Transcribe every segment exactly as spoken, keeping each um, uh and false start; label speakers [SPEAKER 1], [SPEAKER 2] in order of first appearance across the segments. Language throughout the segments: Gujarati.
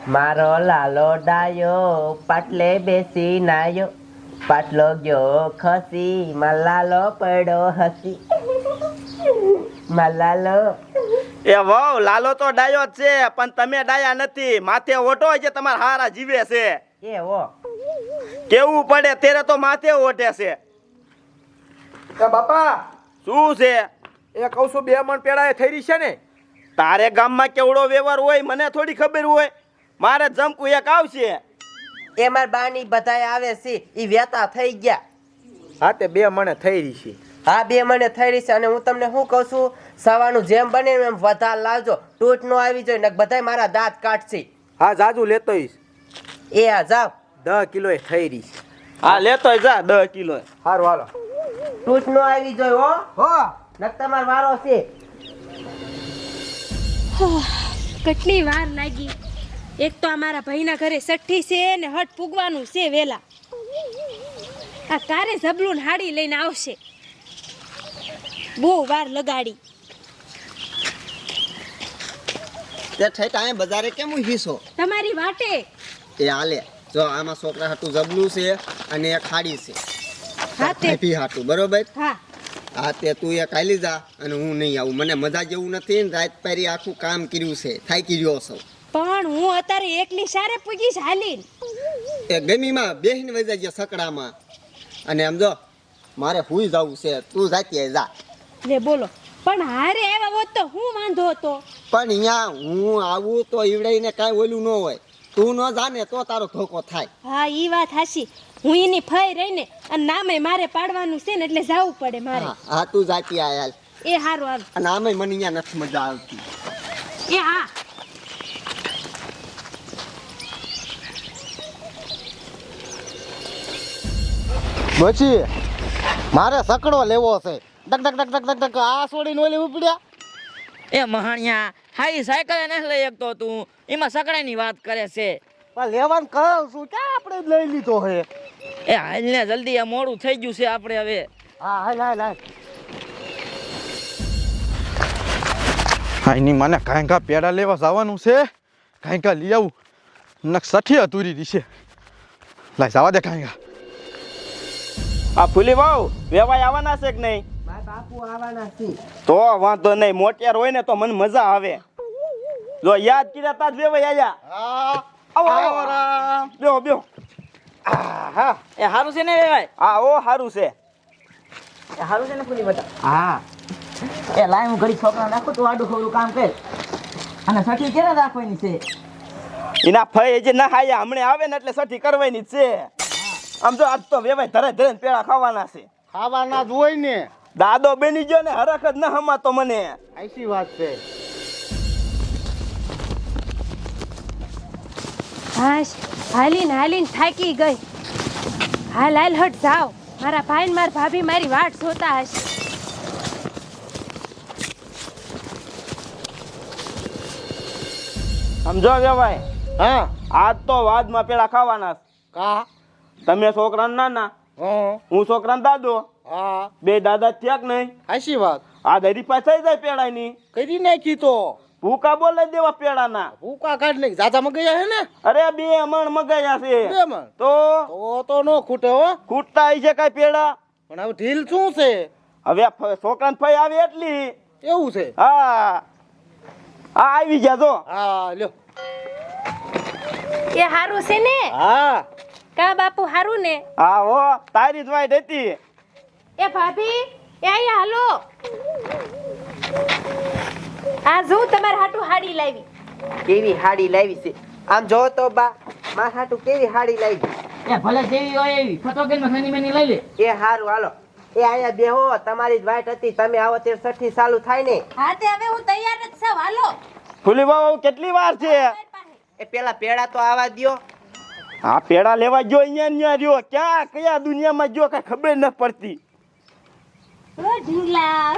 [SPEAKER 1] મારો લાલો ડાયો પાટલે બેસી નાયો, પાટલો ગયો ખસી મલાલો પડ્યો હસી. મલાલો
[SPEAKER 2] એ વાવ લાલો તો ડાયો જ છે, પણ તમે ડાયા નથી. માથે ઓઢો જે તમારા હારા જીવે છે.
[SPEAKER 1] એ હો
[SPEAKER 2] કેવું પડે તેરે તો માથે ઓઢે છે.
[SPEAKER 3] એ બાપા
[SPEAKER 2] શું છે?
[SPEAKER 3] એ કહું છું બે મણ પેડા એ થઈ રહી છે ને?
[SPEAKER 2] તારે ગામમાં કેવડો વ્યવહાર હોય મને થોડી ખબર હોય. મારે જમકુ એક આવશે.
[SPEAKER 1] એ માર બાની બધાય આવે છે, ઈ વેતા થઈ ગયા.
[SPEAKER 3] હા તે બે મણે થઈ રહી છે.
[SPEAKER 1] હા બે મને થઈ રહી છે. અને હું તમને શું કહું છું, સવાનું જેમ બને એમ વધાર લાવજો, તૂટ નો આવી જોઈએ ને બધાય મારા દાંત કાઢશે.
[SPEAKER 3] હા જાજુ લેતો આવીશ.
[SPEAKER 1] એ આ જાવ.
[SPEAKER 3] દસ કિલો એ થઈ રહી છે.
[SPEAKER 2] હા લેતો જા દસ કિલો.
[SPEAKER 3] સારું હાલો.
[SPEAKER 1] તૂટ નો આવી જોઈએ હો.
[SPEAKER 3] હો
[SPEAKER 1] નક તમાર વારો છે.
[SPEAKER 4] કેટલી વાર લાગી. એક તો અમારા ભાઈના ઘરે સઠ્ઠી છે ને હટ પૂગવાનું છે વેલા. આ કારે ઝબલું ને હાડી લઈને આવશે. બહુ વાર લગાડી.
[SPEAKER 5] તે ઠેઠ આય બજારે કેમ હિસો
[SPEAKER 4] તમારી વાટે.
[SPEAKER 5] એ હાલે જો આમાં છોકરા હાટું જબલું છે અને એક ખાડી છે.
[SPEAKER 4] હા તે
[SPEAKER 5] પી હાટું બરોબર.
[SPEAKER 4] હા
[SPEAKER 5] હા તે તું એ કાલી જા અને હું નહીં આવું. મને મજા જેવું નથી ને રાત પારી આખું કામ કર્યું છે થાકી રહ્યો છું.
[SPEAKER 4] પણ હું અત્યારે એકલી સારે પૂગીશ હાલીને.
[SPEAKER 5] એ ગમીમાં બેહીને વઈ જાય સકડામાં અને આમ જો મારે હુઈ જવું છે. તું જાતી જા.
[SPEAKER 4] લે બોલો. પણ હારે આવ્યા હોત તો હું વાંધો હતો.
[SPEAKER 5] પણ અહીંયા હું આવું તો ઈવડાઈને કાંઈ ઓલું ન હોય. તું ન જાને તો તારો ધોકો થાય.
[SPEAKER 4] હા ઈ વાત હાચી. હું એની ફઈ રહીને અને નામે મારે પાડવાનું છે ને એટલે જવું પડે મારે.
[SPEAKER 5] હા હા તું જાતી આ હાલ.
[SPEAKER 4] એ હારું આવે.
[SPEAKER 5] અને આમે મને અહીંયા નથી મજા આવતી.
[SPEAKER 4] એ હા.
[SPEAKER 5] પછી મારે સકડો લેવો છે. ડક ડક ડક ડક ડક ડક આ છોડીને ઓલી ઉપડ્યા.
[SPEAKER 6] એ મહાણિયા હાઈ સાયકલ નથી લઈ શકતો તું, એમાં સકડાની વાત કરે છે.
[SPEAKER 5] પણ લેવાનું કહું છું ક્યાં આપણે જ લઈ લીધો હે.
[SPEAKER 6] એ હાલ ને જલ્દી, આ મોડું થઈ ગયું છે આપણે હવે.
[SPEAKER 5] હા હાલ હાલ હાલ.
[SPEAKER 7] હા એની મને કાંઈ કા પેડા લેવા જવાનું છે, કાંઈ કા લઈ આવું. નક સઠી અધૂરી દીશે. લાય જવા દે કાંઈ કા.
[SPEAKER 2] આ ફૂલી વાવ વેવાય આવવાના છે કે નહીં?
[SPEAKER 1] મારા બાપુ આવવાના છે.
[SPEAKER 2] તો વાંધો નહીં. મોટિયાર હોય ને તો મને મજા આવે. જો યાદ કર્યા તા જ વેવાય આયા.
[SPEAKER 5] હા
[SPEAKER 2] આવો આવો રામ. બેહો બેહો.
[SPEAKER 6] હા એ સારું છે ને ભાઈ?
[SPEAKER 2] હા ઓ સારું છે.
[SPEAKER 6] એ સારું છે ને ફૂલી બતા.
[SPEAKER 1] હા
[SPEAKER 6] એ લાય હું ઘડી છોકરા નાખું તું આડું ખોડું કામ કર. અને સઠી ક્યારે રાખવાની છે?
[SPEAKER 2] એના ફઈ હજી ના આયા, હમણે આવે ને એટલે સઠી કરવાની જ છે. આમ જો આજ તો વેવાય ધરે ધરે પેડા ખાવાના છે.
[SPEAKER 5] ખાવાના જ હોય ને.
[SPEAKER 2] દાદો બની ગયો ને હરખ જ ના હમાતો મને.
[SPEAKER 5] આઈસી વાત છે.
[SPEAKER 4] હાશ હાલીને હાલીને થાકી ગઈ. હાલ હાલ હટ જાવ. મારા ભાઈ ને મારા ભાભી મારી વાટ જોતા હશે.
[SPEAKER 2] સમજો વેવાય
[SPEAKER 5] હા
[SPEAKER 2] આજ તો વાદમાં પેડા ખાવાના છે.
[SPEAKER 5] કા
[SPEAKER 2] તમે છોકરા નાના,
[SPEAKER 5] હા
[SPEAKER 2] હું છોકરા દાદો,
[SPEAKER 5] હા
[SPEAKER 2] બે દાદા થયા કે નહીં?
[SPEAKER 5] આઈસી વાત
[SPEAKER 2] આ દરી પાસે થઈ જાય પેડાની.
[SPEAKER 5] કરી નાખી તો.
[SPEAKER 2] ભૂકા બોલે દેવા પેડાના.
[SPEAKER 5] ભૂકા કાઢ નાખી. જાજા મગયા હે ને?
[SPEAKER 2] અરે બે મણ મગાયા છે.
[SPEAKER 5] બે મણ?
[SPEAKER 2] તો
[SPEAKER 5] તો તો નો ખૂટે હો.
[SPEAKER 2] ખૂટતા આવી છે કઈ પેડા?
[SPEAKER 5] પણ હવે ઢીલ શું છે?
[SPEAKER 2] હવે છોકરા ફઈ આવે એટલી.
[SPEAKER 5] એવું છે?
[SPEAKER 2] હા હા આવી ગયા જો.
[SPEAKER 5] હા લ્યો.
[SPEAKER 4] એ હારું છે ને?
[SPEAKER 5] હા
[SPEAKER 4] કા બાપુ હારું ને?
[SPEAKER 2] હા હો તારી જ વાઈટ હતી.
[SPEAKER 4] એ ભાભી એ અહીંયા હાલો. આ જો તમારા હાટુ હાડી લાવી.
[SPEAKER 1] કેવી હાડી લાવી છે. આમ જો તો બા મારા હાટુ કેવી હાડી લાવી.
[SPEAKER 6] એ ભલે જેવી હોય એવી ફટોકેલ માં સની મેની લઈ લે.
[SPEAKER 1] એ હારું હાલો. એ અહીંયા બેહો, તમારી જ વાઈટ હતી. તમે આવો તે સઠ્ઠી ચાલુ થાય ને.
[SPEAKER 4] હા તે હવે હું તૈયાર જ છું. હાલો.
[SPEAKER 2] ફૂલી બાબા કેટલી વાર છે?
[SPEAKER 1] એ પેલા પેડા તો આવા દ્યો.
[SPEAKER 2] હા પેડા લેવા ગયો અહીંયા અહીંયા રહ્યો. ક્યાં કયા દુનિયામાં ગયો કઈ ખબર ન પડતી.
[SPEAKER 4] ઓ ઢીંગલા.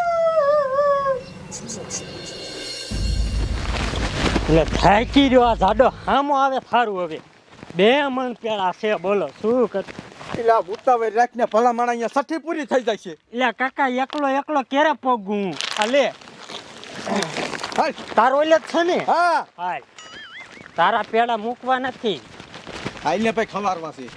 [SPEAKER 8] એટલે થાકી રહ્યો આ જાડો હામો આવે સારું. હવે બે મણ પેડા છે, બોલો શું કર.
[SPEAKER 7] એટલે ઉતાવળ રાખીને ભલા માણા અહીંયા સઠી પૂરી થઈ જાય છે.
[SPEAKER 8] એટલે કાકા એકલો એકલો ક્યારે પોગું. આ લે
[SPEAKER 7] હાલ
[SPEAKER 8] તારો એટલે જ છે ને?
[SPEAKER 7] હા
[SPEAKER 8] હાલ તારા પેડા મૂકવા નથી.
[SPEAKER 7] આઈને ભાઈ ખવારવા છે.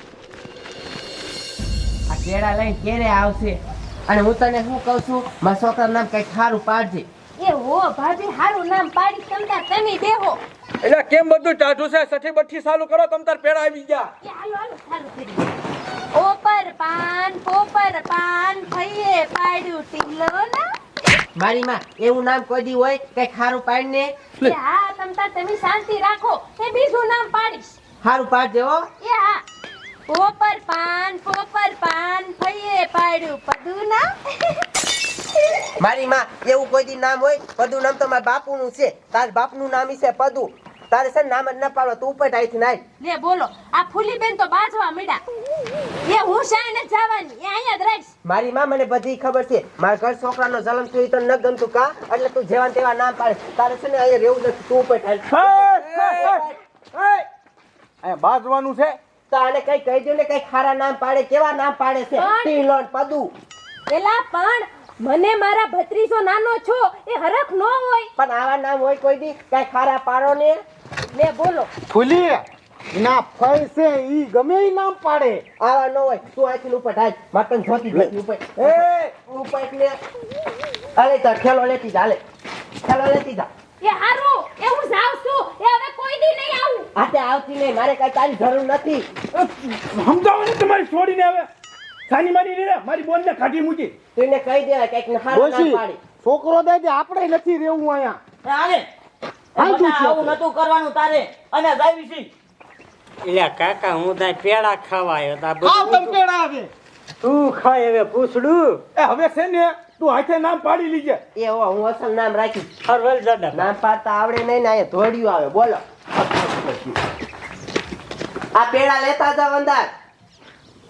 [SPEAKER 1] આ કેળા લઈને ક્યારે આવશે? અને હું તને શું કહું છું, મારા છોકરાનું નામ કઈ સારું પાડજે.
[SPEAKER 4] એ હો ભાભી હારું નામ પાડી તમતા તમે બેહો.
[SPEAKER 3] એટલે કેમ બધું ટાઢું છે? સઠી બઠ્ઠી ચાલુ કરો, તમ તાર પેડા આવી ગયા.
[SPEAKER 4] એ હાલો હાલો ચાલુ કરી. ઓપર પાન પોપર પાન ફઈએ પાડ્યું ટીલો ના.
[SPEAKER 1] મારી માં એવું નામ કોઈ દી હોય કઈ સારું પાડીને.
[SPEAKER 4] એ હા તમતા તમે શાંતિ રાખો, એ બીજું નામ પાડીશ.
[SPEAKER 1] સારું પાડજે હો.
[SPEAKER 4] એ હા પોપર પાન પોપર પાન ફઈએ પાડ્યું પદુ ના.
[SPEAKER 1] મારી માં એવું કોઈ દી નામ હોય? પદુ નામ તો મારા બાપુનું છે. તાર બાપનું નામ ઈ છે પદુ. તારે છે ને નામ જ ન પાડો. તું ઉપર આઈથી નાય.
[SPEAKER 4] લે બોલો આ ફૂલી બેન તો બાજવા મળ્યા. એ હું શાય ન જવાની, એ અહીંયા જ રહીશ.
[SPEAKER 1] મારી માં મને બધી ખબર છે. મારા ઘર છોકરાનો જન્મ થયો ઈ તો ન ગમતું કા, એટલે તું જેવા ને તેવા નામ પાડે. તારે છે ને અહીંયા રહેવું નથી. તું ઉપર થાય.
[SPEAKER 3] અહીંયા બાજવાનું છે.
[SPEAKER 1] તો આને કઈ કહી દો ને, કઈ ખારા નામ પાડે. કેવા નામ પાડે છે?
[SPEAKER 4] પણ-
[SPEAKER 1] ટીલોન પદુ.
[SPEAKER 4] એલા પણ મને મારા ભત્રીજો નાનો છો એ હરખ નો હોય.
[SPEAKER 1] પણ આવા નામ હોય કોઈ દી? કઈ ખારા પાડો ને.
[SPEAKER 4] લે બોલો
[SPEAKER 7] ફૂલી ના ફઈ છે ઈ ગમે ઈ નામ પાડે.
[SPEAKER 1] આવા ન હોય. તું અહીંથી ઉપર થાય. મારે તને જોતી જ નથી. ઉપર એ ઉપર એટલે અરે તો ઠેલો લેતી જા. હાલે ઠેલો લેતી જા.
[SPEAKER 4] એ હારું એ હું જાઉં છું, એ હવે કોઈ દી નહીં આવું.
[SPEAKER 1] આતે આવતી નહીં. મારે કઈ તારી જરૂર નથી.
[SPEAKER 2] સમજાવો ને તમારી છોડીને હવે સાની મારી રે મારી બોન ને કાઢી મૂકી.
[SPEAKER 1] તું એને કહી દે કઈક ખારું નામ પાડી.
[SPEAKER 7] છોકરો દે દે આપણે નથી રહેવું અહીંયા.
[SPEAKER 6] હાલે આવું નતું કરવાનું તારે અને જાવી છી.
[SPEAKER 8] એટલે કાકા હું ત્યાં પેડા ખાવા આવ્યો તા
[SPEAKER 7] આવ તમ પેડા આવે.
[SPEAKER 8] તું ખાય હવે પૂછડું.
[SPEAKER 2] એ હવે છે ને તું હાથે નામ પાડી લીજે.
[SPEAKER 1] એ હો હું અસલ નામ રાખીશ.
[SPEAKER 8] હરવલ દાદા
[SPEAKER 1] નામ પાડતા આવડે નહીં ને અહીંયા ધોડિયું આવે. બોલો આ પેડા લેતા જાવ અંદર.